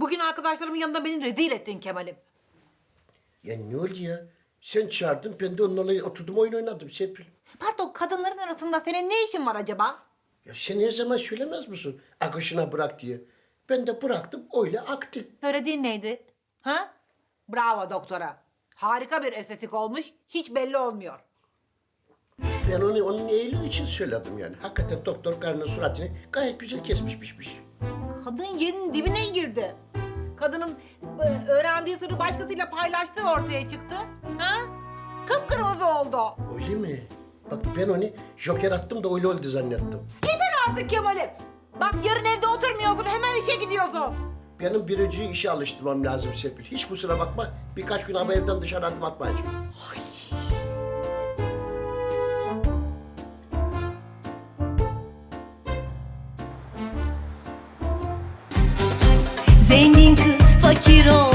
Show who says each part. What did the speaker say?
Speaker 1: Bugün arkadaşlarımın yanında beni rezil ettin Kemal'im.
Speaker 2: Ya ne oldu ya? Sen çağırdın, ben de onlarla oturdum oyun oynadım Serpil.
Speaker 1: Pardon, kadınların arasında senin ne işin var acaba?
Speaker 2: Ya sen her zaman söylemez misin akışına bırak diye? Ben de bıraktım, öyle aktı.
Speaker 1: Söylediğin neydi? Ha? Bravo doktora. Harika bir estetik olmuş, hiç belli olmuyor.
Speaker 2: Ben onu onun iyiliği için söyledim yani. Hakikaten doktor karının suratını gayet güzel kesmiş biçmiş.
Speaker 1: Kadın yerin dibine girdi. Kadının öğrendiği sırrı başkasıyla paylaştığı ortaya çıktı. Ha? Kıpkırmızı oldu.
Speaker 2: Öyle mi? Bak ben onu joker attım da öyle oldu zannettim.
Speaker 1: Yeter artık Kemal'im. Bak yarın evde oturmuyorsun, hemen işe gidiyorsun.
Speaker 2: Benim biriciyi işe alıştırmam lazım Serpil. Hiç kusura bakma. Birkaç gün ama evden dışarı adım atmayacağım.
Speaker 3: Zengin kız fakir ol